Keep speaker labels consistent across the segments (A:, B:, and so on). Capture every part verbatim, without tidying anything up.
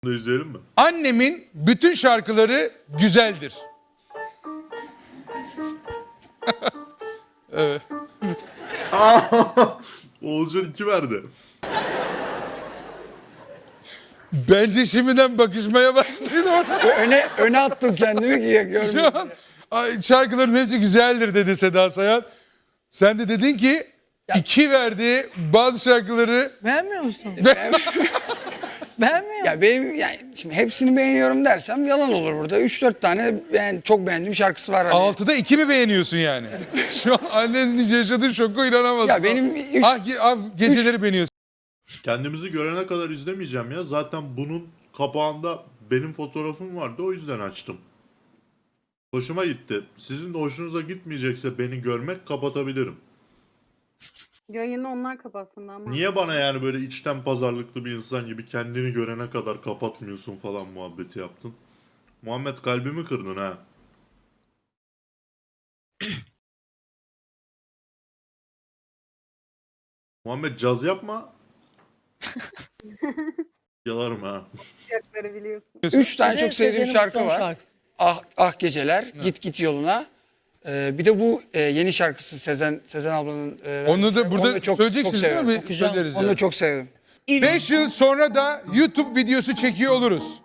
A: Bunu izleyelim mi?
B: Annemin bütün şarkıları güzeldir. Evet.
A: Oğuzcan iki verdi.
B: Bence şimdiden bakışmaya başladı ona.
C: öne öne attım kendimi ki ya, görmeyeyim.
B: Şu an ay, şarkıların hepsi güzeldir dedi Seda Sayan. Sen de dedin ki iki verdi bazı şarkıları.
D: Beğenmiyor musun?
B: Ben...
D: Beğenmiyor musun?
C: Ya benim yani şimdi hepsini beğeniyorum dersem yalan olur burada. üç dört tane ben çok beğendiğim şarkısı var. Hani.
B: Altıda iki mi beğeniyorsun yani? Şu an annenin yaşadığı şoku inanamazsın.
C: Ya benim üç,
B: Ah, ge- ah, geceleri üç... beğeniyorsun.
A: Kendimizi görene kadar izlemeyeceğim ya. Zaten bunun kapağında benim fotoğrafım vardı. O yüzden açtım. Hoşuma gitti. Sizin de hoşunuza gitmeyecekse beni görmek kapatabilirim.
E: Yayını onlar kapatsın ama.
A: Niye bana yani böyle içten pazarlıklı bir insan gibi kendini görene kadar kapatmıyorsun falan muhabbeti yaptın? Muhammed kalbimi kırdın ha. Muhammed caz yapma. Yalarım ha.
E: Fiyatları biliyorsun.
C: üç tane
D: Bir de
C: çok sevdiğim
D: Sezen'in
C: şarkı
D: son
C: var.
D: şarkısı.
C: Ah Ah Geceler, Git Git Yoluna. Ee, bir de bu e, yeni şarkısı Sezen Sezen ablanın. E,
B: Onu da burada
C: onu çok,
B: söyleyeceksiniz
C: çok
B: değil
C: severim.
B: mi? Söyleriz
C: Onu
B: yani.
C: da çok severim.
B: beş yıl sonra da YouTube videosu çekiyor oluruz.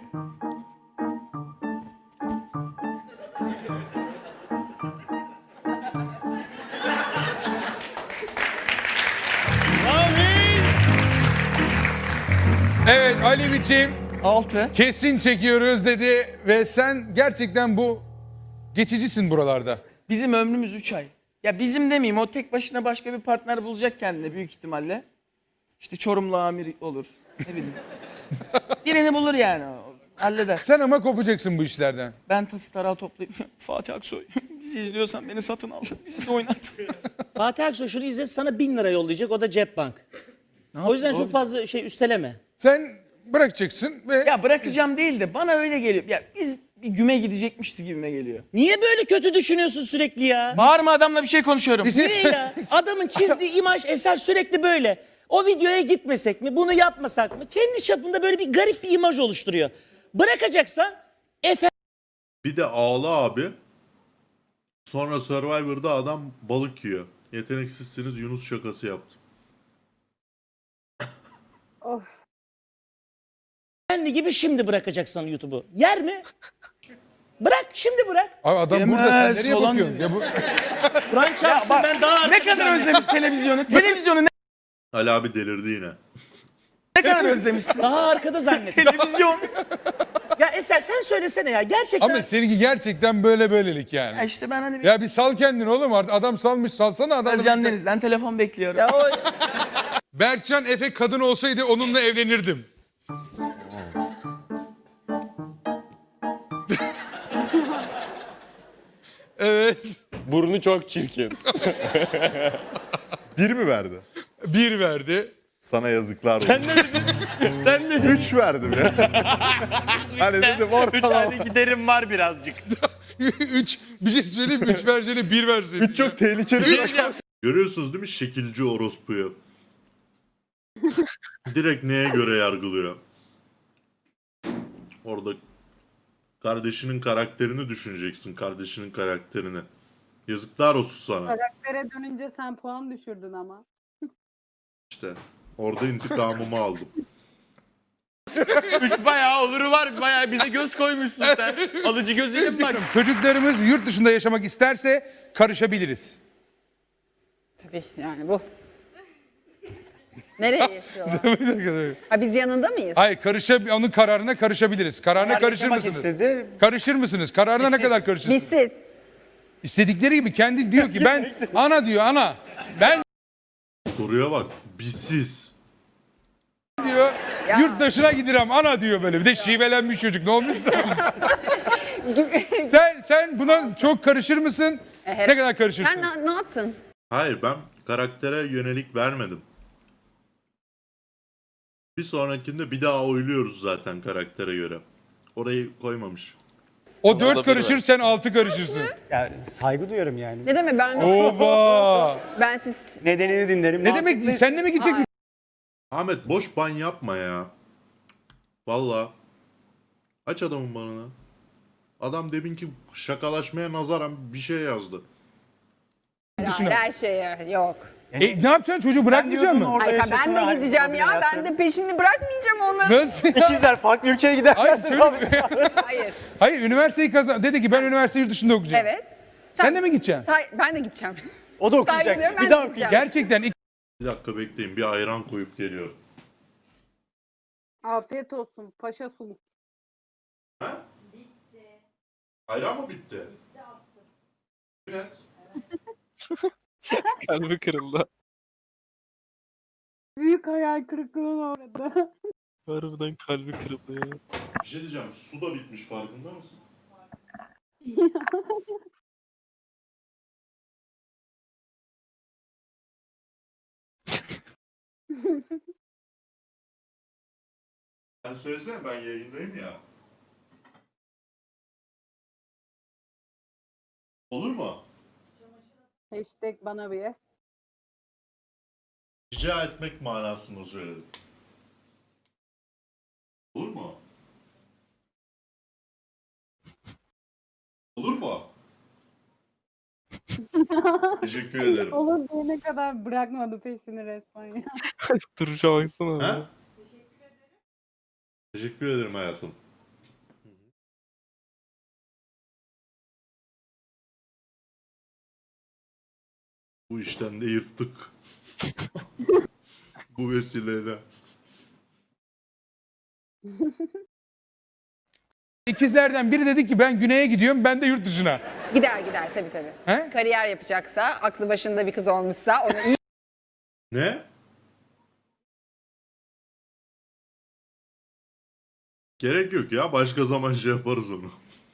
B: Evet Ali biçim
D: Altı.
B: kesin çekiyoruz dedi ve sen gerçekten bu geçicisin buralarda.
D: Bizim ömrümüz üç ay. Ya bizim demeyeyim, o tek başına başka bir partner bulacak kendine büyük ihtimalle. İşte Çorumlu amir olur. Ne bileyim. Birini bulur yani. o Halleder.
B: Sen ama kopacaksın bu işlerden.
D: Ben tası tarağı toplayıp Fatih Aksoy bizi izliyorsan beni satın al. Bizi oynat.
F: Fatih Aksoy şunu izle, sana bin lira yollayacak, o da cep bank. O yüzden çok fazla şey üsteleme.
B: Sen bırakacaksın ve
D: Ya bırakacağım değil de bana öyle geliyor. Ya biz bir güme gidecekmişiz gibime geliyor.
F: Niye böyle kötü düşünüyorsun sürekli ya?
D: Bağırma, adamla bir şey konuşuyorum.
B: Bir şey-
F: Niye ya? Adamın çizdiği imaj, eser sürekli böyle. O videoya gitmesek mi, bunu yapmasak mı? Kendi çapında böyle bir garip bir imaj oluşturuyor. Bırakacaksan efe
A: Bir de Ağla abi. Sonra Survivor'da adam balık yiyor. Yeteneksizsiniz Yunus şakası yaptı.
E: Of.
F: kendi gibi şimdi bırakacaksan YouTube'u. Yer mi? Bırak, şimdi bırak.
B: Abi adam
D: Yemez
B: burada sen nereye
D: falan
B: bakıyorsun? Ya bu...
F: Kur'an çarpsın,
D: bak,
F: ben daha
D: Ne
F: artık
D: kadar
F: zannettim.
D: özlemiş televizyonu. Televizyonu ne,
A: Ali abi delirdi yine.
D: ne kadar özlemişsin.
F: Daha arkada zannettim.
D: Televizyon.
F: Ya Eser sen söylesene ya, gerçekten.
B: Ama seninki gerçekten böyle böylelik yani.
D: Ya işte ben hani bir
B: Ya bir sal kendini oğlum artık. Adam salmış, salsana adamı.
D: Özcan Deniz'den telefon bekliyorum.
F: Ya o
B: Berkcan Efe kadın olsaydı onunla evlenirdim. Evet.
G: Burnu çok çirkin. Bir mi verdi?
B: Bir verdi.
G: Sana yazıklar olsun.
F: sen ne dedin? Sen ne dedin?
G: Üç verdim ya. Hani dedim ortalama.
F: Üç giderim var birazcık.
B: Üç. Bir şey söyleyeyim mi? Üç vereceğine bir verseydin.
G: Üç çok tehlikeli bir rakam.
A: Görüyorsunuz değil mi şekilci orospuyu? Direkt neye göre yargılıyor? Orada kardeşinin karakterini düşüneceksin, kardeşinin karakterini. Yazıklar olsun sana.
E: Karaktere dönünce sen puan düşürdün ama.
A: İşte orada intikamımı aldım.
H: Üç bayağı oluru var. Bayağı bize göz koymuşsun sen. Alıcı gözüyle mi bak?
B: Çocuklarımız yurt dışında yaşamak isterse karışabiliriz.
I: Tabii yani bu. Nereye yaşıyorlar? Ha biz yanında mıyız?
B: Hayır, karışa, onun kararına karışabiliriz. Kararına
C: Eğer
B: karışır
C: yaşamak
B: mısınız?
C: istedi,
B: Karışır mısınız? Kararına ne kadar karışırsınız?
I: Bizsiz.
B: İstedikleri gibi kendi diyor ki ben ana diyor ana. Ben
A: Soruya bak. Bizsiz.
B: diyor
I: Ya.
B: yurt dışına giderim ana diyor böyle. Bir de şivelenmiş çocuk ne olmuşsa. sen sen buna çok karışır mısın?
I: Evet.
B: Ne kadar karışırsın?
I: Sen ne, ne yaptın?
A: Hayır ben karaktere yönelik vermedim. Bir sonrakinde bir daha oyluyoruz zaten karaktere göre. Orayı koymamış.
B: O dört karışır sen altı karışırsın.
J: Ya saygı duyarım yani.
I: Ne demek ben
B: Oba.
I: ben siz
J: Nedenini dinlerim.
B: Ne demek sen de mi gidecek?
A: Ahmet boş ban yapma ya. Valla. Aç adamın banını. Adam deminki şakalaşmaya nazaran bir şey yazdı.
I: Hayır, her şeye yok.
B: E, ne yapacaksın çocuğu bırakmayacak mısın?
I: Hayır, ben de gideceğim ya. Ben de peşini bırakmayacağım onu.
B: Nasıl ya?
J: İkizler farklı ülkeye gider.
B: Hayır, çocuk,
I: Hayır.
B: hayır üniversiteyi kazan. Dedi ki ben üniversite yurt dışında okuyacağım.
I: Evet.
B: Sen de mi gideceksin?
I: Say- ben de gideceğim.
J: O da
I: Saygı
J: okuyacak.
I: duyuyorum, ben
J: Bir
I: de
J: daha
I: gideceğim.
J: okuyacak.
B: Gerçekten ilk-
A: Bir dakika bekleyin. Bir ayran koyup geliyorum.
E: Afiyet olsun. Paşa sulu.
A: Ayran mı bitti? Evet.
H: Kalbi kırıldı.
E: Büyük hayal kırıklığına uğradı.
H: Harbiden kalbi kırıldı ya.
A: Bir şey diyeceğim. Su da bitmiş farkında mısın? Sen söylesene ben yayındayım ya. Olur mu?
E: Hashtag bana bir.
A: Rica etmek manasında söyledim. Olur mu? Olur mu? Teşekkür ederim.
E: Olur diyene kadar bırakmadı peşini resmen ya.
H: Duruşa baksana.
A: Ha? Teşekkür ederim hayatım. Bu işten de yırttık. Bu vesileyle.
B: ikizlerden biri dedi ki ben güneye gidiyorum, ben de yurt dışına.
I: Gider gider tabii tabii.
B: He?
I: Kariyer yapacaksa, aklı başında bir kız olmuşsa onu iyi
A: Ne? Gerek yok ya. Başka zaman şey yaparız onu.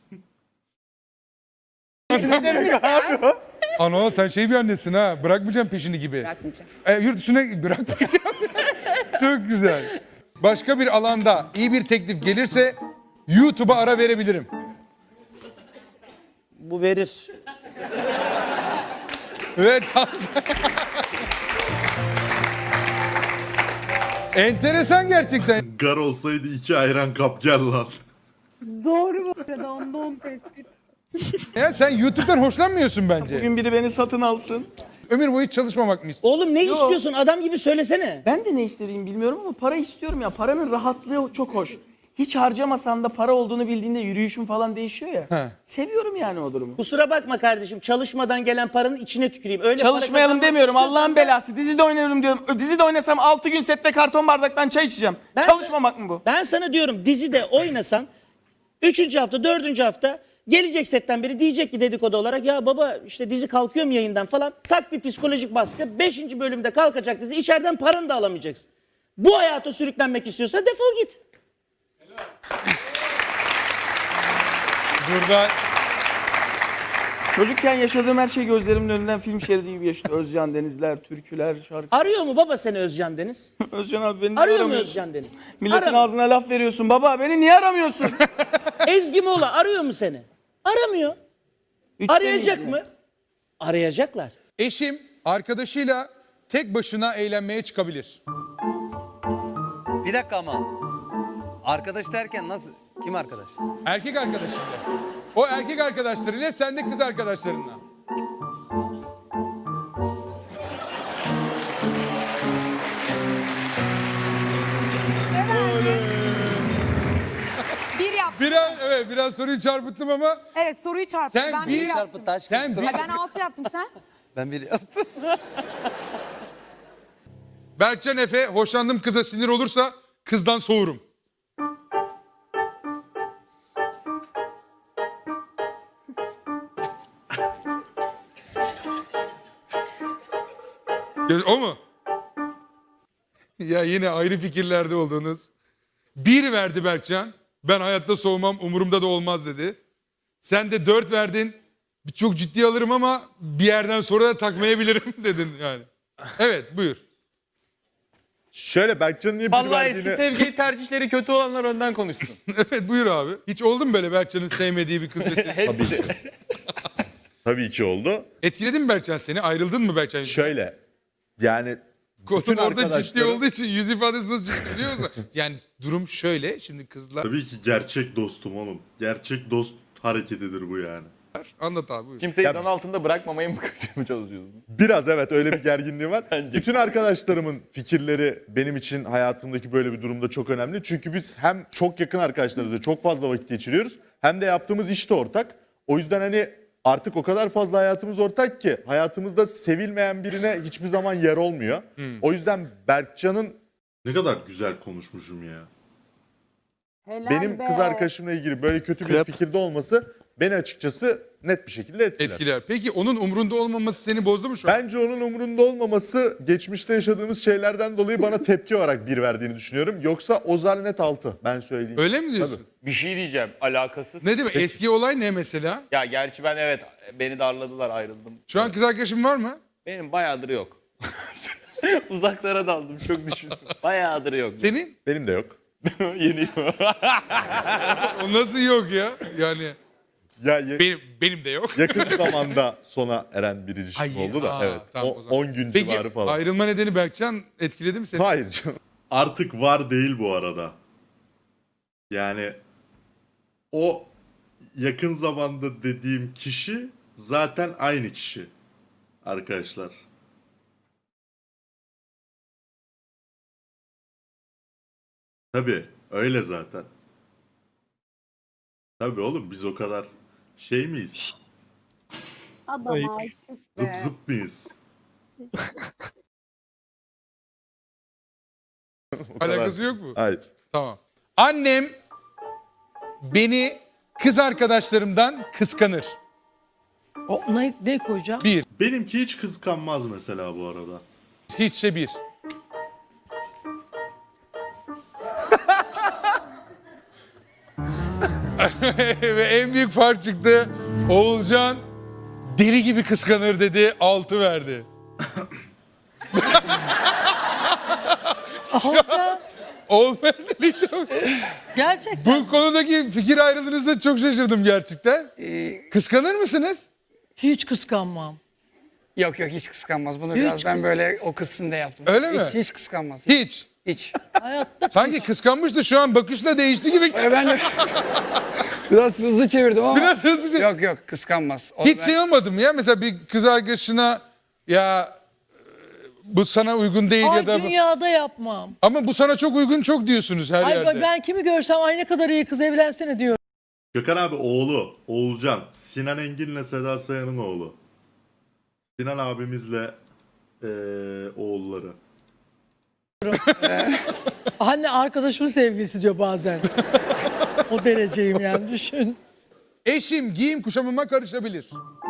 I: bilirsen
B: Ana sen şey bir annesin ha, bırakmayacağım peşini gibi.
I: bırakmayacağım.
B: E, yurt dışına bırakmayacağım. Çok güzel. Başka bir alanda iyi bir teklif gelirse YouTube'a ara verebilirim.
F: Bu verir.
B: Evet. tam- Enteresan gerçekten.
A: Gar olsaydı iki ayran kap gel lan.
E: Doğru bu arada. Onda on tespit.
B: Ya sen YouTube'dan hoşlanmıyorsun bence.
D: Bugün biri beni satın alsın.
B: Ömür boyu hiç çalışmamak mı istiyorsun?
F: Oğlum ne istiyorsun? Adam gibi söylesene.
D: Ben de ne istediğimi bilmiyorum ama para istiyorum ya. Paranın rahatlığı çok hoş. Hiç harcamasan da para olduğunu bildiğinde yürüyüşün falan değişiyor ya.
B: He.
D: Seviyorum yani o durumu.
F: Kusura bakma kardeşim. Çalışmadan gelen paranın içine tüküreyim. Öyle para
D: Çalışmayalım
F: kazanmak
D: demiyorum.
F: istiyorsan
D: Allah'ın
F: da-
D: belası. Dizide oynuyorum diyorum. Ö, Dizide oynasam altı gün sette karton bardaktan çay içeceğim.
F: Ben
D: Çalışmamak mı bu?
F: Ben sana diyorum dizide oynasan üçüncü hafta, dördüncü hafta gelecek setten biri diyecek ki dedikodu olarak ya baba işte dizi kalkıyor mu yayından falan. Tak bir psikolojik baskı. Beşinci bölümde kalkacak dizi. İçeriden paranı da alamayacaksın. Bu hayata sürüklenmek istiyorsan defol git.
B: Burada
D: Çocukken yaşadığım her şey gözlerimin önünden film şeridi gibi geçti. Özcan Denizler, türküler, şarkı.
F: Arıyor mu baba seni Özcan Deniz?
D: Özcan abi beni niye
F: Arıyor mu
D: aramıyorsun?
F: Özcan Deniz?
D: Milletin
F: Aramıyor.
D: ağzına laf veriyorsun. Baba beni niye aramıyorsun?
F: Ezgi Mola arıyor mu seni? Aramıyor.
D: Üçte
F: Arayacak
D: miyiz
F: mı?
D: ya?
F: Arayacaklar.
B: eşim arkadaşıyla tek başına eğlenmeye çıkabilir.
K: Bir dakika ama. Arkadaş derken nasıl? Kim arkadaş?
B: Erkek arkadaşıyla. O erkek arkadaşlarıyla, sen de kız arkadaşlarınla.
E: Bir yap.
B: Biraz evet biraz soruyu çarpıttım ama
E: Evet soruyu çarptı.
B: sen
E: ben
B: bir
K: Çarpı taş.
B: sen bir
E: Ben altı yaptım sen.
K: Ben bir yaptım.
B: Berkcan Efe hoşlandığım kıza sinir olursa kızdan soğurum. Ya, o mu? Ya yine ayrı fikirlerde olduğunuz. Bir verdi Berkcan. Ben hayatta soğumam, umurumda da olmaz dedi. Sen de dört verdin. Çok ciddi alırım ama bir yerden sonra da takmayabilirim dedin yani. Evet buyur.
G: Şöyle Berkcan'ın niye bir
H: Vallahi eski
G: verdiğini...
H: sevgili tercihleri kötü olanlar önden konuşsun.
B: Evet buyur abi. Hiç oldu mu böyle Berkcan'ın sevmediği bir kız?
H: Hepsi.
G: Tabii ki oldu.
B: Etkiledi mi Berkcan seni? Ayrıldın mı Berkcan?
G: Şöyle yani
B: Konu
G: Bütün
B: orada ciddi
G: arkadaşlarım-
B: olduğu için yüz ifadesi nasıl ciddi biliyor musun? Yani durum şöyle. Şimdi kızlar...
A: Tabii ki gerçek dostum oğlum. Gerçek dost hareketidir bu yani.
B: Anlat abi buyur.
H: Kimseyi
G: Ya-
H: zan altında bırakmamaya mı çalışıyorsun?
G: Biraz evet öyle bir gerginliği var.
H: Bence.
G: Bütün arkadaşlarımın fikirleri benim için hayatımdaki böyle bir durumda çok önemli. Çünkü biz hem çok yakın arkadaşlarımızla çok fazla vakit geçiriyoruz hem de yaptığımız iş de ortak. O yüzden hani artık o kadar fazla hayatımız ortak ki hayatımızda sevilmeyen birine hiçbir zaman yer olmuyor. O yüzden Berkcan'ın
A: Ne kadar güzel konuşmuşum ya.
E: Helal
G: benim
E: be.
G: kız arkadaşımla ilgili böyle kötü bir fikirde olması beni açıkçası net bir şekilde etkiler.
B: Etkiler. Peki onun umrunda olmaması seni bozdu mu şu an?
G: Bence onun umurunda olmaması geçmişte yaşadığımız şeylerden dolayı bana tepki olarak bir verdiğini düşünüyorum. Yoksa Ozar net altı ben söyleyeyim.
B: Öyle mi diyorsun?
G: Tabii.
H: Bir şey diyeceğim alakasız.
B: Ne demek? Eski olay ne mesela?
H: Ya gerçi ben evet beni darladılar ayrıldım.
B: Şu an kız arkadaşın var mı?
H: Benim bayağıdır yok. Uzaklara daldım çok düşündüm. Bayağıdır yok.
B: Senin?
G: Benim de yok.
H: Yeni.
B: O nasıl yok ya? Yani
G: Ya ye-
B: benim benim de yok.
G: yakın zamanda sona eren bir ilişki
B: Ay,
G: oldu da
B: aa,
G: evet.
B: tamam
G: O-
B: o zaman.
G: on gün
B: Peki
G: civarı falan.
B: ayrılma nedeni Berkcan etkiledi mi seni?
G: Hayır canım.
A: Artık var değil bu arada. Yani o yakın zamanda dediğim kişi zaten aynı kişi. Arkadaşlar. Tabii öyle zaten. Tabii oğlum biz o kadar şey miyiz?
E: Adam aşık
A: Zıp
E: be.
A: zıp mıyız?
G: O kadar.
B: Alakası yok mu?
G: Hayır.
B: Tamam. Annem beni kız arkadaşlarımdan kıskanır.
D: O, ne, ne koyacağım?
B: Bir.
A: Benimki hiç kıskanmaz mesela bu arada.
B: Hiçse bir. Ve en büyük fark çıktı. Oğulcan deli gibi kıskanır dedi. Altı verdi. Olmayan deliydi.
D: Gerçekten.
B: Bu konudaki fikir ayrılığınızda çok şaşırdım gerçekten.
C: Ee,
B: Kıskanır mısınız?
D: Hiç kıskanmam.
C: yok yok hiç kıskanmaz. Bunu
D: Hiç
C: biraz ben
D: kıs-
C: böyle o kısımda yaptım.
B: Öyle mi?
C: Hiç, hiç kıskanmaz.
B: Hiç.
C: Hiç.
D: Hayatta
B: Sanki kıskanmıştı şu an bakışla değişti gibi.
C: Ee, ben de biraz hızlı çevirdim ama.
B: Biraz hızlıca.
C: Yok yok kıskanmaz. O
B: Hiç
C: ben-
B: şey olmadı mı ya? Mesela bir kız arkadaşına ya e, bu sana uygun değil
D: Ay
B: ya da
D: dünyada yapmam.
B: ama bu sana çok uygun çok diyorsunuz her
D: Ay
B: yerde.
D: ben kimi görsem ay ne kadar iyi kız evlensene diyorum.
A: Gökhan abi oğlu Oğulcan. Sinan Engin'le Seda Sayan'ın oğlu. Sinan abimizle eee, oğulları.
D: Anne arkadaşımın sevgilisi diyor bazen. O dereceyim yani düşün.
B: Eşim giyim kuşamıma karışabilir.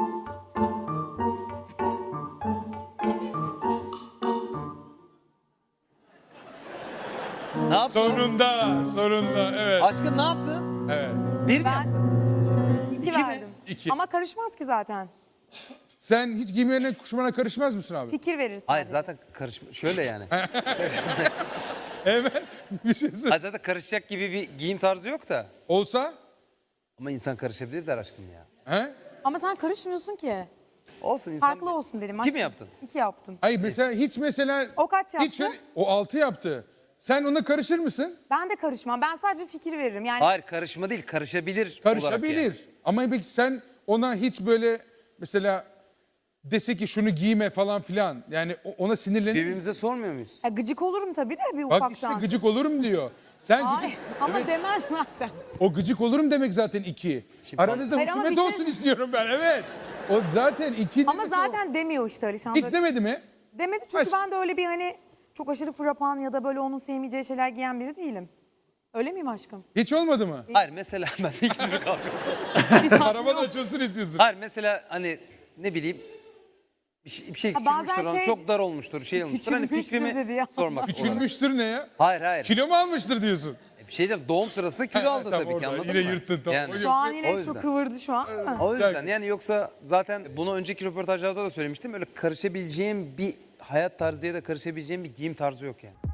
K: Ne yaptın?
B: Sonunda, sonunda evet.
K: Aşkım ne yaptın?
B: Evet.
K: Bir mi
E: Ben
K: yaptın?
E: iki,
K: İki mi?
E: verdim.
B: İki.
E: Ama karışmaz ki zaten.
B: Sen hiç giyimlerine kuşamana karışmaz mısın abi?
E: Fikir verir sadece.
K: Hayır zaten karışma. Şöyle yani.
B: Hemen bir şey söyle.
K: Hayır zaten karışacak gibi bir giyim tarzı yok da.
B: Olsa?
K: Ama insan karışabilir der aşkım ya.
B: He?
E: Ama sen karışmıyorsun ki.
K: Olsun insan.
E: Farklı olsun dedim.
K: Kim
E: aşkım.
K: yaptın?
E: İki yaptım.
B: Hayır mesela hiç mesela
E: O kaç yaptı?
B: hiç şöyle- o altı yaptı. Sen ona karışır mısın?
E: Ben de karışmam. Ben sadece fikir veririm. Yani
K: Hayır karışma değil karışabilir. olarak
B: Karışabilir.
K: yani.
B: Ama peki sen ona hiç böyle mesela dese ki şunu giyme falan filan. Yani o- ona sinirlenir misin?
K: Birbirimize sormuyor muyuz?
E: ya gıcık olurum tabii de bir
B: Bak
E: ufaktan.
B: işte gıcık olurum diyor. Sen
E: Ay,
B: gıcık,
E: ama demez zaten.
B: o gıcık olurum demek zaten iki. Aranızda
E: Hayır ama
B: husumet
E: bir şey-
B: olsun istiyorum ben evet. O zaten iki.
E: Ama
B: demesi o.
E: zaten demiyor işte Alişan.
B: Hiç
E: Böyle-
B: demedi mi?
E: Demedi çünkü
B: Baş-
E: ben de öyle bir hani çok aşırı frapan ya da böyle onun sevmeyeceği şeyler giyen biri değilim. Öyle miyim aşkım?
B: Hiç olmadı mı?
K: Hayır mesela ben de ikimiz kalkıyorum.
B: Araba da açılsın istiyorsun.
K: Hayır mesela hani ne bileyim bir şey, bir şey
E: Ha,
K: küçülmüştür
E: bazen
K: onun
E: şey-
K: çok dar olmuştur şey olmuştur hani
E: Küçülmüştür
K: fikrimi
E: dedi ya.
K: sormak olarak.
B: Küçülmüştür ne ya?
K: Hayır hayır.
B: Kilo mu almıştır diyorsun?
K: Bir şey diyeceğim doğum sırasında kilo aldı
B: Tamam,
K: tabii ki
B: orada.
K: anladın
B: Yine
K: mı?
B: yırttın, tamam.
K: Yani,
B: O
E: Şu an
K: o
E: yine şu
K: yüzden.
E: kıvırdı şu an da.
K: O yüzden yani yoksa zaten bunu önceki röportajlarda da söylemiştim öyle karışabileceğim bir hayat tarzıya da karışabileceğim bir giyim tarzı yok yani.